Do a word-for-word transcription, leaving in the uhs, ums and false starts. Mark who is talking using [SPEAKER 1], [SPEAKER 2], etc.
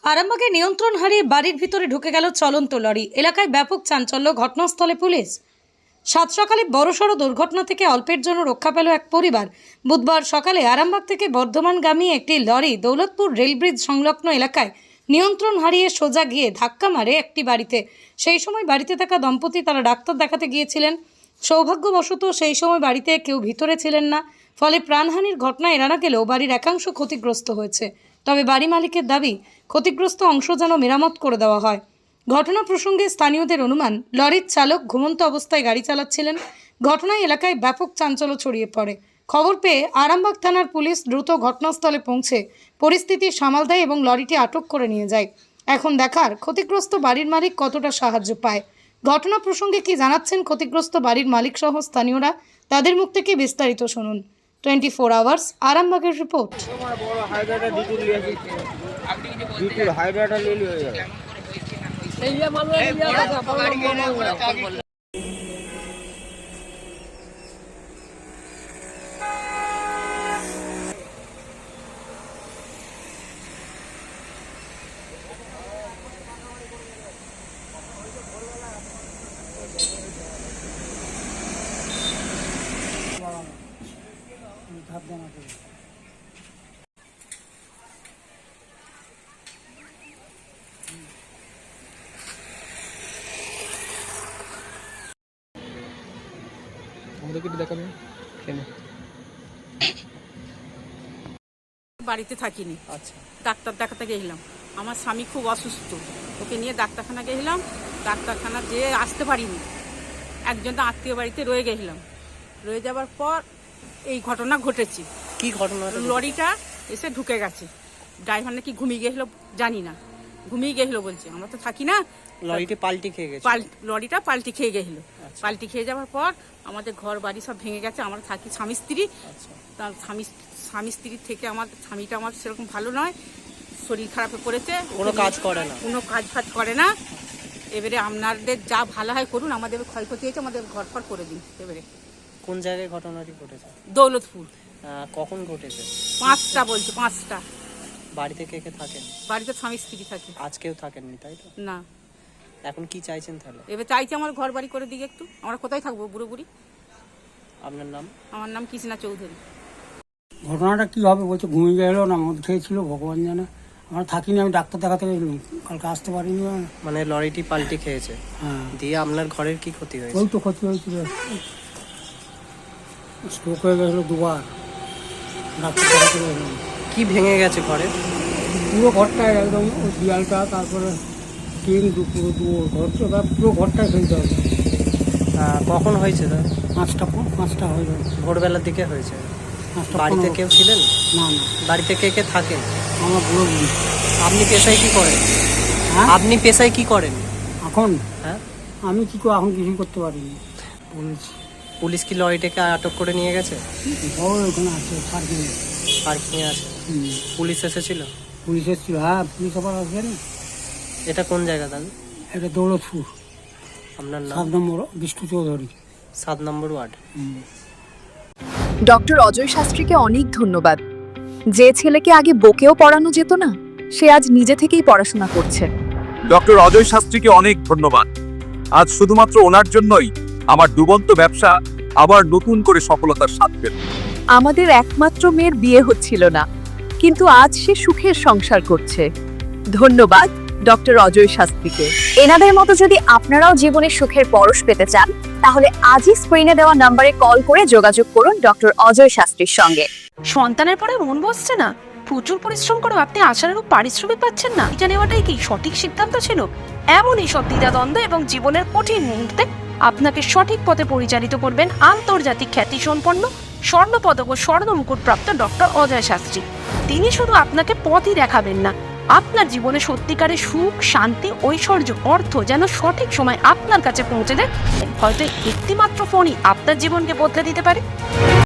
[SPEAKER 1] আরামবাগে নিয়ন্ত্রণ হারিয়ে বাড়ির ভিতরে ঢুকে গেল চলন্ত লরি। এলাকায় ব্যাপক চাঞ্চল্য, ঘটনাস্থলে পুলিশ। সাত সকালে বড়সড় দুর্ঘটনা থেকে অল্পের জন্য রক্ষা পেল এক পরিবার। বুধবার সকালে আরামবাগ থেকে বর্ধমানগামী একটি লরি দৌলতপুর রেলব্রিজ সংলগ্ন এলাকায় নিয়ন্ত্রণ হারিয়ে সোজা গিয়ে ধাক্কা মারে একটি বাড়িতে। সেই সময় বাড়িতে থাকা দম্পতি তারা ডাক্তার দেখাতে গিয়েছিলেন। সৌভাগ্যবশত সেই সময় বাড়িতে কেউ ভিতরে ছিলেন না, ফলে প্রাণহানির ঘটনা এড়ানো গেলেও বাড়ির একাংশ ক্ষতিগ্রস্ত হয়েছে। তবে বাড়ি মালিকের দাবি, ক্ষতিগ্রস্ত অংশ যেন মেরামত করে দেওয়া হয়। ঘটনা প্রসঙ্গে স্থানীয়দের অনুমান, লরির চালক ঘুমন্ত অবস্থায় গাড়ি চালাচ্ছিলেন। ঘটনায় এলাকায় ব্যাপক চাঞ্চল্য ছড়িয়ে পড়ে। খবর পেয়ে আরামবাগ থানার পুলিশ দ্রুত ঘটনাস্থলে পৌঁছে পরিস্থিতি সামাল দেয় এবং লরিটি আটক করে নিয়ে যায়। এখন দেখার, ক্ষতিগ্রস্ত বাড়ির মালিক কতটা সাহায্য পায়। ঘটনা প্রসঙ্গে কি জানাচ্ছেন ক্ষতিগ্রস্ত বাড়ির মালিক সহ স্থানীয়রা, তাদের মুখ থেকে বিস্তারিত শুনুন। টোয়েন্টি ফোর আওয়ার্স আরামবাগের রিপোর্ট।
[SPEAKER 2] আমাদেরকে একটু দেখাবেন কেন?
[SPEAKER 3] বাড়িতে থাকিনি,
[SPEAKER 2] আচ্ছা,
[SPEAKER 3] ডাক্তার দেখাতে গেছিলাম। আমার স্বামী খুব অসুস্থ, ওকে নিয়ে ডাক্তারখানা গেছিলাম। ডাক্তারখানা যেয়ে আসতে পারিনি, একজন আত্মীয় বাড়িতে রয়ে গেছিলাম। রয়ে যাবার পর এই ঘটনা ঘটেছে।
[SPEAKER 2] কি ঘটনা?
[SPEAKER 3] লরিটা এসে ঢুকে গেছে। ড্রাইভার নাকি ঘুমিয়ে গেছিল, জানি না, ঘুমিয়ে গেছিল বলছে। আমরা তো থাকি না।
[SPEAKER 2] লরিটি পাল্টি খেয়ে গেছে।
[SPEAKER 3] লরিটা পাল্টি খেয়ে গেছিল। পাল্টি খেয়ে যাওয়ার পর আমাদের ঘর বাড়ি সব ভেঙে গেছে। আমরা থাকি স্বামী স্ত্রী। তার স্বামী স্বামী স্ত্রীর থেকে আমার স্বামীটা আমার সেরকম ভালো নয়, শরীর খারাপে পড়েছে,
[SPEAKER 2] কোনো কাজ করে না,
[SPEAKER 3] কোনো কাজ ফাজ করে না। এবারে আপনাদের যা ভালো হয় করুন, আমাদের ক্ষয়ক্ষতি হয়েছে, আমাদের ঘর ফর করে দিন। এবারে
[SPEAKER 2] কোন জায়গায় ঘটনাটি ঘটেছে?
[SPEAKER 3] দৌলতপুর।
[SPEAKER 2] কখন ঘটেছে?
[SPEAKER 3] পাঁচটা বলছে, পাঁচটা।
[SPEAKER 2] বাড়িতে কে কে থাকেন?
[SPEAKER 3] বাড়িতে স্বামী স্ত্রী থাকে।
[SPEAKER 2] আজকেও থাকেননি, তাই তো?
[SPEAKER 3] না।
[SPEAKER 2] এখন কি চাইছেন তাহলে?
[SPEAKER 3] এবার চাইছি আমার ঘর বাড়ি করে দিকে একটু। আমরা কোথায় থাকবো বুড়ো বুড়ি?
[SPEAKER 2] আপনার নাম?
[SPEAKER 3] আমার নাম কৃষ্ণা চৌধুরী।
[SPEAKER 4] ঘটনাটা কী হবে বলছে, ঘুমিয়ে গেলো না মদ খেয়েছিল, ভগবান জানে। আমরা থাকিনি, আমি ডাক্তার দেখাতে গেছিলাম, কালকে আসতে পারিনি।
[SPEAKER 2] মানে লরিটি পাল্টি খেয়েছে?
[SPEAKER 4] হ্যাঁ।
[SPEAKER 2] দিয়ে আপনার ঘরের কি ক্ষতি হয়েছে?
[SPEAKER 4] ওই তো ক্ষতি হয়েছিল, স্ট্রোক হয়ে গেছিলো দুবার, ডাক্তার দেখাতে গেছিলাম।
[SPEAKER 2] কি ভেঙে গেছে ঘরে?
[SPEAKER 4] পুরো ঘরটায় একদম, ওই দেয়ালটা, তারপরে টিন, পুরো দু ঘরটা, পুরো ঘরটায় ফেলতে হবে।
[SPEAKER 2] কখন হয়েছে?
[SPEAKER 4] পাঁচটা পাঁচটা হয়ে যাবে,
[SPEAKER 2] ভোরবেলার দিকে হয়েছে।
[SPEAKER 4] পাঁচটা।
[SPEAKER 2] বাড়িতে কেউ ছিলেন
[SPEAKER 4] না না,
[SPEAKER 2] বাড়িতে কে কে থাকেন?
[SPEAKER 4] আমার বুড়ো বুড়ি।
[SPEAKER 2] আপনি পেশায় কি করেন?
[SPEAKER 4] হ্যাঁ,
[SPEAKER 2] আপনি পেশায় কি করেন
[SPEAKER 4] এখন
[SPEAKER 2] হ্যাঁ
[SPEAKER 4] আমি কি করে, এখন কিছুই করতে পারিনি। বলেছি
[SPEAKER 2] পুলিশ কি লরিটাকে আটক করে নিয়ে গেছে?
[SPEAKER 4] ওই ওখানে আছে পার্কিংয়ে।
[SPEAKER 2] পার্কিংয়ে আছে।
[SPEAKER 4] হুম,
[SPEAKER 2] পুলিশ এসেছিল?
[SPEAKER 4] পুলিশ এসেছিল। হ্যাঁ, পুলিশ আবার আসবে না।
[SPEAKER 2] এটা কোন জায়গা দাদা?
[SPEAKER 4] এটা দৌলতপুর,
[SPEAKER 2] আপনার নাম?
[SPEAKER 4] সাত নম্বর, বিষ্ণু চৌধুরী,
[SPEAKER 2] সাত নম্বর ওয়ার্ড।
[SPEAKER 5] ডক্টর অজয় শাস্ত্রীকে অনেক ধন্যবাদ। যে ছেলেকে আগে বকেও পড়ানো যেত না, সে আজ নিজে থেকেই পড়াশোনা করছে।
[SPEAKER 6] ডক্টর অজয় শাস্ত্রীকে অনেক ধন্যবাদ। আজ শুধুমাত্র ওনার জন্যই আমার ডুবন্ত ব্যবসা আবার নতুন করে সফলতার স্বাদ পেল।
[SPEAKER 5] আমাদের একমাত্র মেয়ের বিয়ে হচ্ছিল না, কিন্তু আজ সে সুখের সংসার করছে। ধন্যবাদ ডক্টর অজয় শাস্ত্রীকে। এনাদের মতো যদি আপনারাও জীবনে সুখের পরশ পেতে চান, তাহলে আজই স্ক্রিনে দেওয়া নম্বরে কল করে যোগাযোগ করুন ডক্টর অজয় শাস্ত্রীর সঙ্গে।
[SPEAKER 7] সন্তানের পরে মন বসছে না, প্রচুর পরিশ্রম করেও আপনি আশানুরূপ পারিশ্রমিক পাচ্ছেন না, এটা নেওয়াটাই কি সঠিক সিদ্ধান্ত ছিল? এমনই সব দ্বিধাদ্বন্দ্ব এবং জীবনের কঠিন মুহূর্তে আপনাকে সঠিক পথে পরিচালিত করবেন আন্তর্জাতিক খ্যাতিসম্পন্ন স্বর্ণপদক ও স্বর্ণ মুকুটপ্রাপ্ত ডক্টর অজয় শাস্ত্রী। তিনি শুধু আপনাকে পথই দেখাবেন না, আপনার জীবনে সত্যিকারের সুখ, শান্তি, ঐশ্বর্য, অর্থ যেন সঠিক সময় আপনার কাছে পৌঁছে দেয়। হয়তো একটি মাত্র ফোনই আপনার জীবনকে বদলে দিতে পারে।